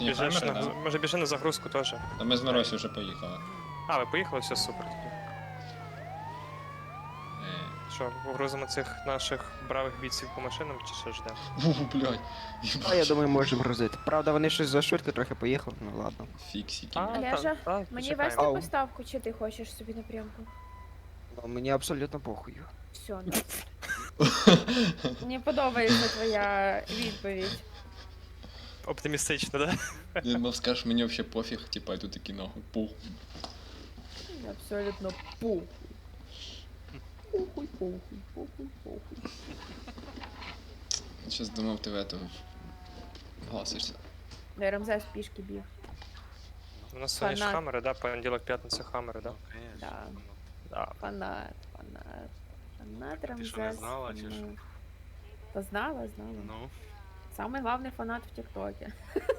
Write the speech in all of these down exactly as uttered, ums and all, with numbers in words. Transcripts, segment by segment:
Біжиш камери, на, да? може біжи на загрузку теж. Та ми з Миросі вже поїхали. А, ви поїхали, все супер тоді. Е. Що, погрузимо цих наших бравих бійців по машинам чи що ждемо? Фу, блядь. А я думаю, можемо грузити. Правда, вони щось за швидко трохи поїхали, ну ладно. Фіксики. А, Олежа, та- та, Мені почекаємо. вести Ау. поставку, чи ти хочеш собі напрямку? Ну, мені абсолютно похуй. Все, ну. Мені подобається твоя відповідь. Оптимістично, да? Ти мав скажеш, мені взагалі пофіг, типа, я тут такий нахуй, пух. Абсолютно пухуй. Пухуй, пухуй, пухуй, пухуй. Щас думав, ти в этого гласишся. Я Рамзес пішки біг. У нас сьогодні ж Фанат. хамери, да? Понеділок, п'ятниця хамери, да? Да. Да. Фанат, фанат. Фанат Ти Рамзес. що, не знала, чи що? фанат. Та знала, знала. Ну, Самый главный фанат в ТикТоке.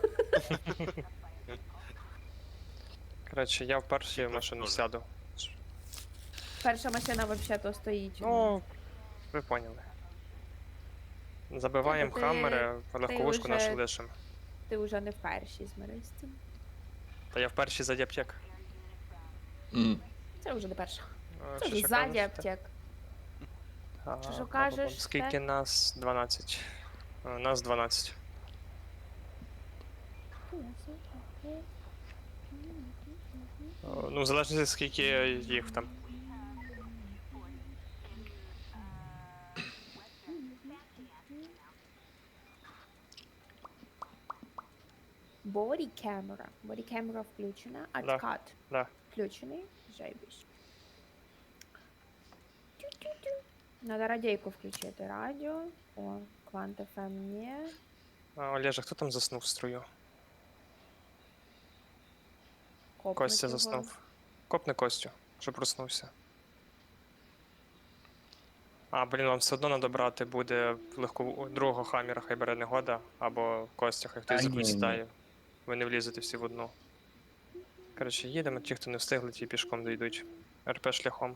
Коротше, я в першій машину теж. сяду. Перша машина вообще-то стоїть. Ну, ви поняли. Забиваємо Тобто ти- хамери, легковушку вже- нашу лишимо. Ти вже не в першій змирись з цим. Та я в першій ззаді аптек. Мгм. Це вже не перша. Е, Це що вже ще ззаді кажете? аптек. А, Що ж а, кажеш, Скільки те? нас? дванадцять. Е, Нас дванадцять. Е, Ну, в залежності скільки їх там. Body camera. Body camera включена. Да. Откат Да. включений. Жайбісь. Тю-тю-тю. Надо радійку включити. Радіо. О, Квант еф ем ні. А, Олежа, хто там заснув в струю? Копнуть Костя його. заснув. Копни Костю, що проснувся. А, блін, вам все одно треба брати буде легко другого хаміра, хай бере негода, або Костя, хай хтось Та ні, якусь ні. сідає. Ви не влізете всі в одну. Коротше, їдемо, ті, хто не встигли, ті пішком дійдуть. РП шляхом.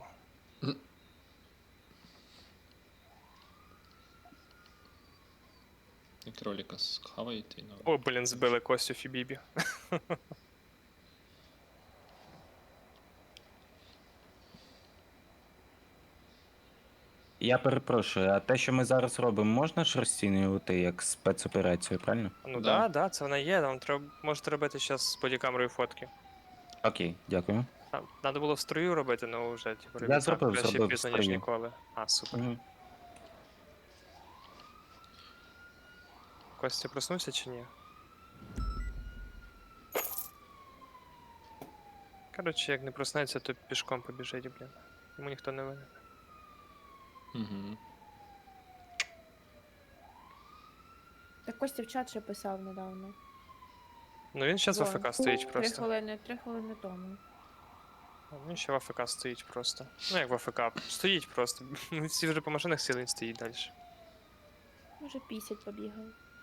І кролика схаваєте, ну. О, блін, збили Костю Фібібі. Я перепрошую, а те, що ми зараз робимо, можна ж розцінювати як спецоперацію, правильно? Ну Да. да, да, це вона є, вам треба можете робити зараз з бодікамерою фотки. Окей, дякую. Треба було в струю робити, ну вже типу, Я робити зробив, краще зробив в пізно, ніж струю. ніколи. А, супер. Мгм. Костя проснувся чи ні? Коротше, як не проснеться, то пішком побіжить, блін. Йому ніхто не винен. Угу. Так Костя в чат ще писав недавно. Ну він зараз в Вон. АФК стоїть Три просто. хвилини, три хвилини тому. Він ще в АФК стоїть просто. Ну як в АФК, стоїть просто. Ми всі вже по машинах сіли, він стоїть далі. Може пісять побігав.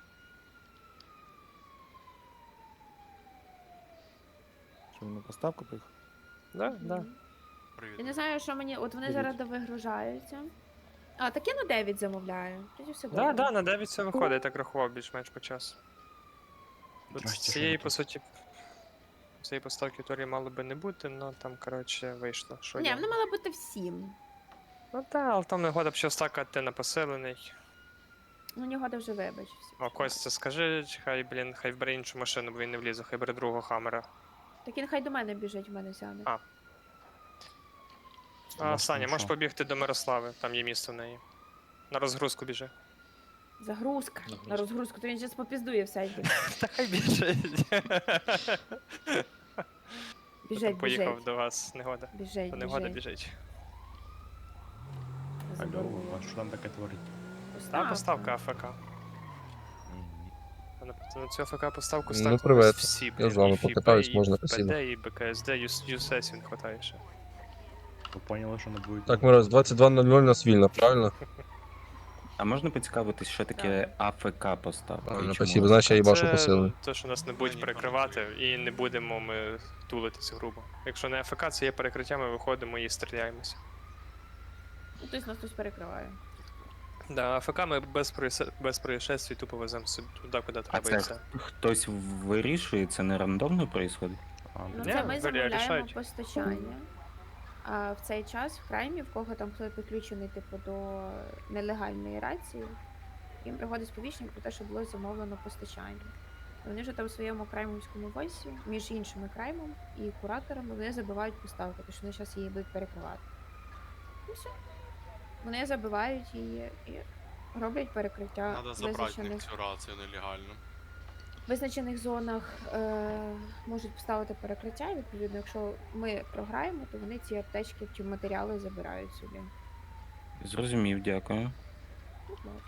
Що він на поставку поїхав? Да, да. Мгм. привіт. Я не знаю, що мені. От вони Привіт. зараз довигружаються. А, так я на дев'ять замовляю. Тоді все Да, добре. да, на дев'ять все виходить, я так рахував більш-менш по часу. Тут Здрасте, цієї, що по суті, цієї поставки теорії мало би не бути, але там, коротше, вийшло. Що Ні, є. вона мала бути всім. Ну так, але там не года б ще стакати на поселений. Ну, Нігода вже вибачився. О, Костя, скажи, хай, блін, хай бере іншу машину, бо він не влізе, хай бере другого хамера. Так він хай до мене біжить, в мене сяде. А. А, Власне, Саня, можеш що? побігти до Мирослави, там є місце в неї. На розгрузку біжи. Загрузка. Загрузка. На розгрузку, то він зараз попіздує все. йде. Та хай біжить. Біжить, Поїхав біжить. до вас, негода. Біжить, То негода біжить. біжить. Заборгував. а що там таке творить? Та поставка АФК. А На, на цю АФК поставку Ну, ставили привет. всі, Я блін, з вами і ФІБ, покатаюсь, і можна, ПД, спасибо. і БКСД, Ю- ЮСЕС він хватає ще. Ви поняли, що не буде? Так, Мороз, двадцять два ноль ноль у нас вільно, правильно? А можна поцікавитись, що таке АФК поставка? Правильно, і чому спасибо, вона значить я така? їбашу Це посилення. те, що нас не будуть перекривати, і не будемо ми тулитися грубо. Якщо не АФК, це є перекриття, ми виходимо і стріляємося. Ну, Хтось нас хтось перекриває. Да, АФК ми без, проїсе- без происшествий тупо веземо собі туди, куди А треба і це все. хтось вирішує, це не рандомно відбувається? А, Ну, Ні, це ми вирі- замовляємо рішають. постачання. А в цей час в краймі, в кого там хто підключений типу до нелегальної рації, їм приходить сповіщення про те, що було замовлено постачання. Вони вже там в своєму краймовському войсі, між іншими краймом і кураторами, вони забивають поставку, тому що вони зараз її будуть перекривати. І все. Вони забивають її і роблять перекриття Надо забрати в них визначених, цю рацію нелегально. визначених зонах е, можуть поставити перекриття. І відповідно, якщо ми програємо, то вони ці аптечки чи матеріали забирають собі. Зрозумів, дякую. Будь ласка.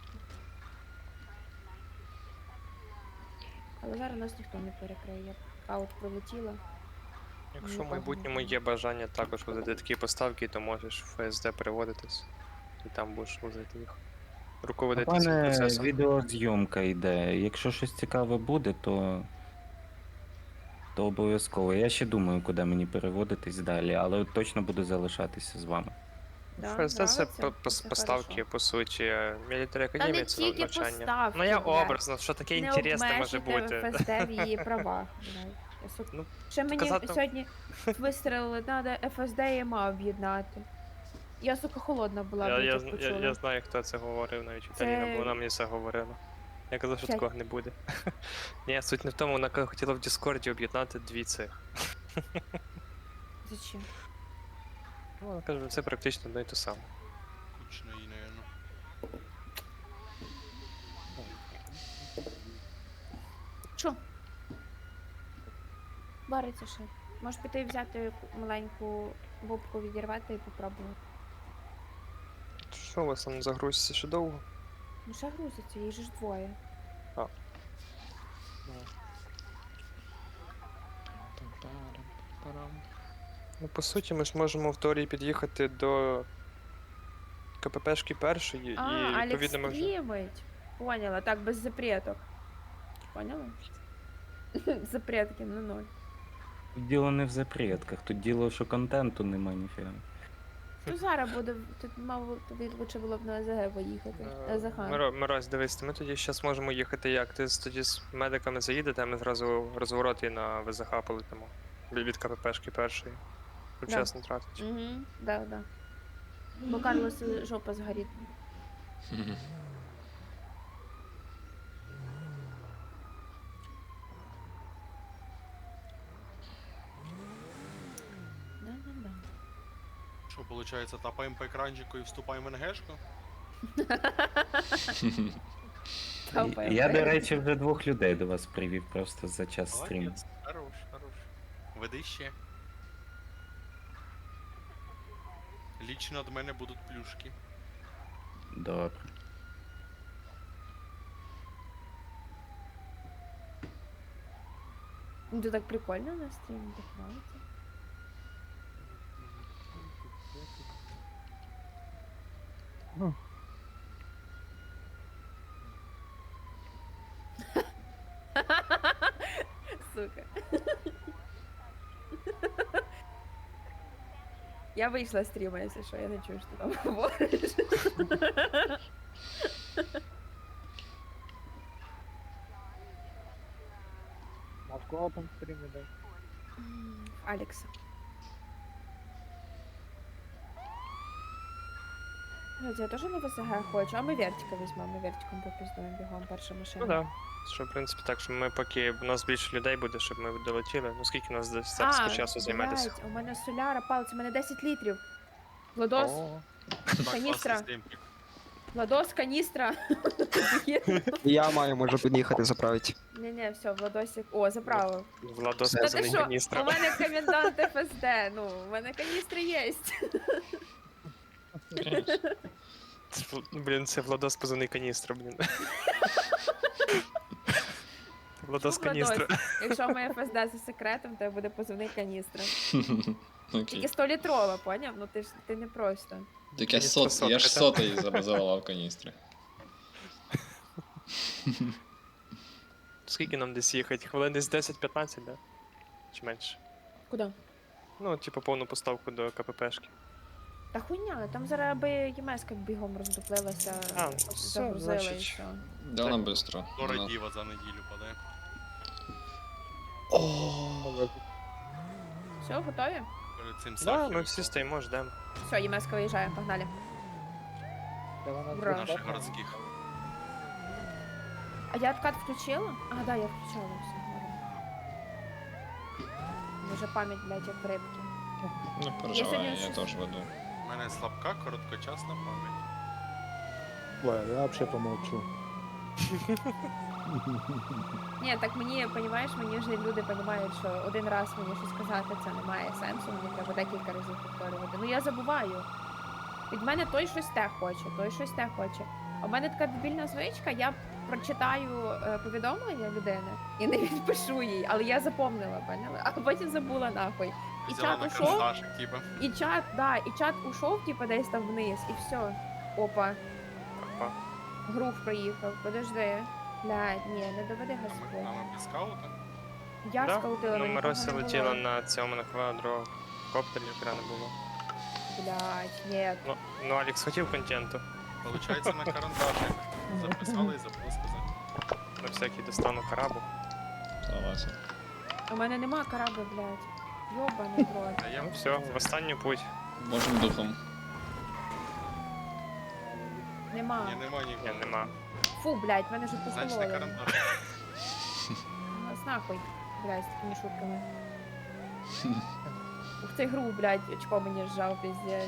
Але зараз нас ніхто не перекриє. Аут пролетіла. Якщо в Нікого майбутньому не є бажання також возити такі поставки, то можеш в ФСД переводитись. І там будеш возити їх. У Руководити цим мене процесом. відеозйомка йде. Якщо щось цікаве буде, то. То обов'язково. Я ще думаю, куди мені переводитись далі, але точно буду залишатися з вами. Да, ФСД це нравиться? по- по- Це поставки, хорошо. по суті, мілітарі Та академії не це тільки навчання. поставки, Ну я блядь. образно, що таке Не інтересне може обмежуйте бути. ФСД в її правах. блядь. Я сука. Ну, Ще мені сказати- сьогодні вистрелили, треба ФСД і ЕМА об'єднати. Я, сука, холодна була, Я, блядь, я, як зн- почула. я, я знаю, хто це говорив, навіть Це- Віталіна, бо вона мені це говорила. Я казав, що П'ять. такого не буде. Ні, суть не в тому, вона ка- хотіла в Діскорді об'єднати дві цих. Зачем? Ну, вона каже, це практично одно і те саме. Кучно її, наверно. Що? Вариться ще. Можеш піти і взяти маленьку бубку, відірвати і попробувати. Що у вас там загрузиться ще довго? Ну ще грузиться, їх же ж двоє. Ну, по суті, ми ж можемо в теорії під'їхати до КППшки першої, А, і Алекс відповідно ми вже. стрімить. Поняла, так, без запреток. Поняла? Запретки на ноль. Тут діло не в запретках, тут діло, що контенту нема ніфіга. Ну зараз буде, тут мав тобі лучше було б на АЗГ поїхати. На Захан. Миро- Мирось, дивись, ми тоді зараз можемо їхати як? Ти з- тоді з медиками заїдете, а ми зразу розворот і на ВЗХ полетимо. Від від КППшки першої. Щоб Да. час не тратить. Угу, да, да. Бо Карлос жопа згорить. Да-да-да. Що, виходить, тапаємо по екранчику і вступаємо в НГшку? Тапаємо. Я, до речі, вже двох людей до вас привів просто за час стріму. Молодець. Хорош, хорош. Веди ще. Лічно від мене будуть плюшки. Добре. Ну це так прикольно на стрімі, так нравится. Сука. Я вийшла з стріма, якщо що, я не чую, що ти там говориш. А в кого там стрімі, дай? М, Алекса. Блядь, я теж на ВСГ хочу, а ми вертика візьмемо, ми вертиком попіздуємо бігом перша машина. Ну так. Да. Що, в принципі, так, що ми поки у нас більше людей буде, щоб ми долетіли. Ну скільки нас десь зараз по часу займетися? блядь, у мене соляра палець, у мене десять літрів. Владос, О, Так, Каністра. класний стрімчик. Владос, каністра. Я маю, можу під'їхати заправити. Не-не, все, Владосик. О, заправив. Владос Та Та ти позаний що, у каністра. мене комендант ФСД, ну, у мене каністри є. Блін, це Владос позаний каністра, блін. Владос Ну, каністра. Владос, якщо моє ФСД за секретом, то буде позивний каністра. Тільки Окей. сто літрова, поняв? Ну ти ж ти не просто. Так я Каністра сот, я ж сотка, сотий забазував каністри. Скільки нам десь їхати? Хвилин десь десять-п'ятнадцять, да? Чи менше? Куди? Ну, типу, повну поставку до КППшки. Та хуйня, там зараз аби ЄМС-ка бігом роздуплилася, А, ну, все, загрузила і значить. все. Да, вона быстро. Дора Вона- діва за неділю падає. Все, готові? Перед цим Да, Сахі ми всі стоїмо, ждемо. Все, ЄМС-ка виїжджає, погнали. Та вона Ура. з наших Богданом. городських. А я откат включила? А, да, я включала все. Може пам'ять, блядь, як в рибки. Не Якщо переживай, він я щось- теж веду. У мене слабка, короткочасна пам'ять. Ой, я вообще помолчу. Ні, так мені, понімаєш, мені вже люди розуміють, що один раз мені щось сказати, це не має сенсу, мені треба декілька разів повторювати. Ну я забуваю. Від мене той щось те хоче, той щось те хоче. А в мене така дебільна звичка, я прочитаю е, повідомлення людини і не відпишу їй, але я запомнила, поняла? А потім забула нахуй. І Взяла чат на ушов, карандашик, типа. і чат, да, і чат ушов, типа десь там вниз, і все. Опа, Опа. грув проїхав, подожди. Блядь, ні, не доведи А ми, Господь. а ми без скаута? Я Да? скаутила, Ну, нікого Маруся не було. летіла на цьому на квадрокоптері, якраз не було. Блядь, ні. Ну, ну Алекс хотів контенту. Получається на карандашик. Записали і забули сказати. На всякий достану карабу. Давайте. У мене нема кораби, блядь. Йобаний в рот. А я Ну все, в останню путь. Можем духом. Нема. Ні, нема Ні, нікого. нема. Фу, блядь, мене вже Значить, на покололи. карандашик. Нас нахуй, блядь, з такими шутками. Ух ти гру, блядь, очко мені сжав, пиздец.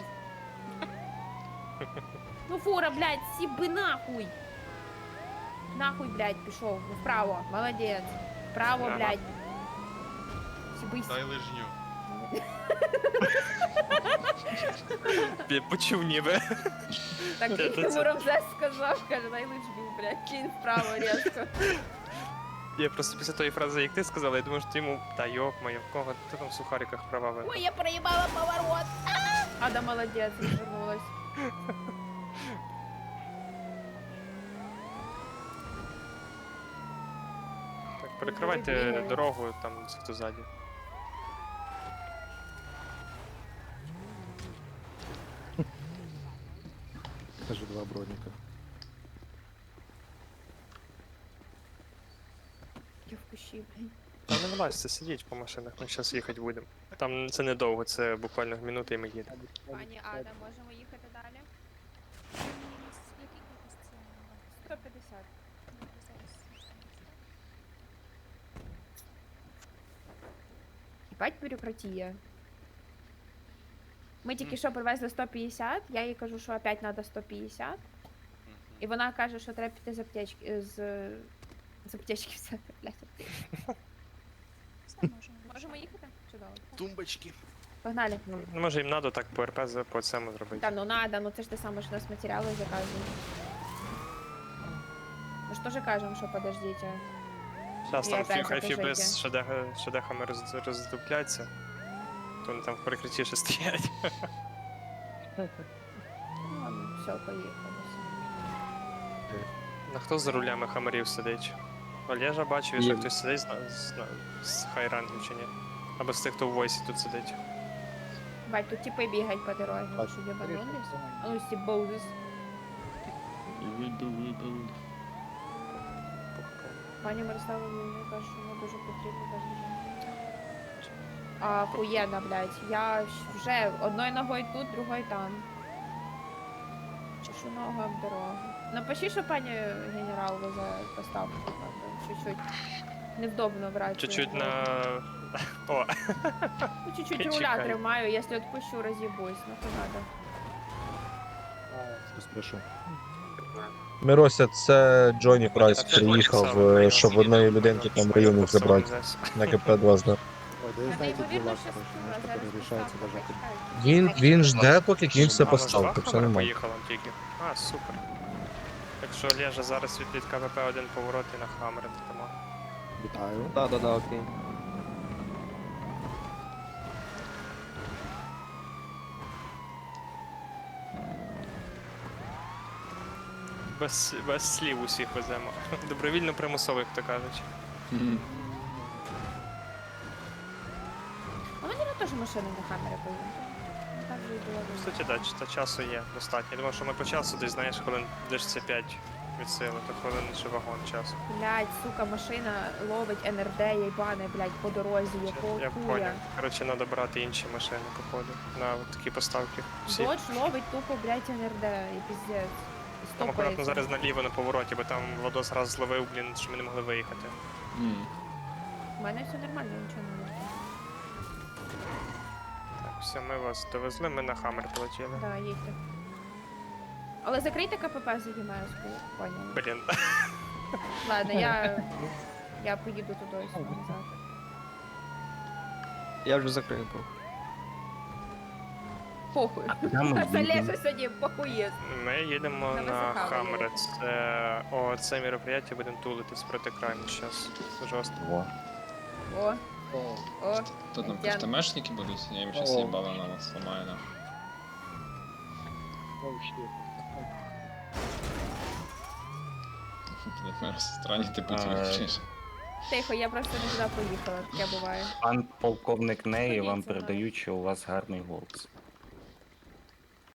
Ну фура, блядь, сіби нахуй. Нахуй, блядь, пішов. Ну вправо, молодець. Вправо, Ага. блядь. Сібись. Дай лижню. Я почув ніби. Так Це- як це- йому Рамзес сказав, каже, дай лижню, блядь, кінь вправо різко. Я просто після тої фрази, як ти сказала, я думаю, що ти йому. Та йоп моє, в кого ти там в сухариках права ви. Ой, я проебала поворот. А! Ада молодец, развернулась. Так, перекривайте Бігає. дорогу, там хто ззаді. Даже два броника. Я в кущі, блін. Та не вилазьте, сидіть по машинах, ми зараз їхати будемо. Там це недовго, це буквально минута і ми їдемо. Пані Ада, можемо їхати далі? сто п'ятдесят. Ебать бюрократія. Ми тільки що привезли сто п'ятдесят, я їй кажу, що опять треба сто п'ятдесят. Мгм. І вона каже, що треба піти з аптечки, з, з аптечки взяти, блядь. Можемо їхати? Чудово. Тумбочки. Погнали. Ну, може їм треба так по РП за- по цьому зробити. Та ну надо, ну це ж те саме, що нас матеріали заказують. Ми ж теж кажемо, що подождіть. Зараз І там опять фі- хай запишите. фіби з шедеха- шедехами роз- роздупляться, то вони там в перекритті ще стоять. Ну ладно, все, поїхали. А хто за рулями хамарів сидить? Олежа бачив, Є. що хтось сидить з, з, з хайрангів чи ні? Або з тих, хто в войсі тут сидить. Бать, тут типи бігають по дорозі, ви що єбанулись? А ну стібоузис. Пані Мирослава мені каже, що воно дуже потрібно каже. А хуєна, блядь. Я ж вже одною ногою тут, другою там. Чешу ногу об дорогу. Напиши, що пані генерал везе поставку, правда, чуть-чуть. Невдобно брати. Чуть-чуть його. на. О, Ну, чуть-чуть Чекай. руля тримаю, якщо відпущу, роз'їбусь. Ну, то надо. Спрошу. Мирося, це Джоні Прайс так, це приїхав, Олександр, е, Олександр. щоб одної людинки там районів Просто забрати Рамзес. на КП два з. Ой, да я Це знаете, ймовірно, дела, що короче, скоро, знаешь, зараз которые решаются поставка даже... почекають. Він, він жде, поки кінь все А, поставив, вона то з все Вахмана нормально. поїхала тільки. А, супер. Якщо Олежа зараз від КВП один поворот і на Хаммер тому. Вітаю. Да, да, да, окей. Без, без слів усіх веземо. Добровільно примусово, як то кажуть. Мгм. А мені теж машину на камері поїхати. Так була В суті, да, ч- та часу є достатньо. Я думав, що ми по часу десь, знаєш, хвилин десь це п'ять від сили, то хвилин ще вагон часу. Блядь, сука, машина ловить ен ер де, їбане, блядь, по дорозі, якого Я хуя. поняв. Коротше, треба брати інші машини, походу, на от такі поставки. Всі. Додж ловить тупо, блядь, ен ер де, і піздець. І Там акуратно стопається. зараз наліво на повороті, бо там Владос раз зловив, блін, що ми не могли виїхати. М. У мене все нормально, нічого не було. Так, все, ми вас довезли, ми на Хаммер полетіли. Да, їдьте. Але закрийте КПП за ЄМС-ку, поняли. Блін. Ладно, я... Я поїду туди і сюди назад. Я вже закрив був. Похуй. Куди ми Це їдемо? Леша сьогодні похує. Ми їдемо На на ВЗХ Хаммер. ви Це о, це мероприятие будемо тулитись проти крайму зараз. Жорстко. Во. О, о, Тут нам Ян. КФТМшники будуть, я їм щас їбало на нас сломаю на. Странні ти путь А, вивчиш. Тихо, я просто не туди поїхала, таке буває. Пан полковник Неї вам Ходіть за мною. передають, що у вас гарний голос.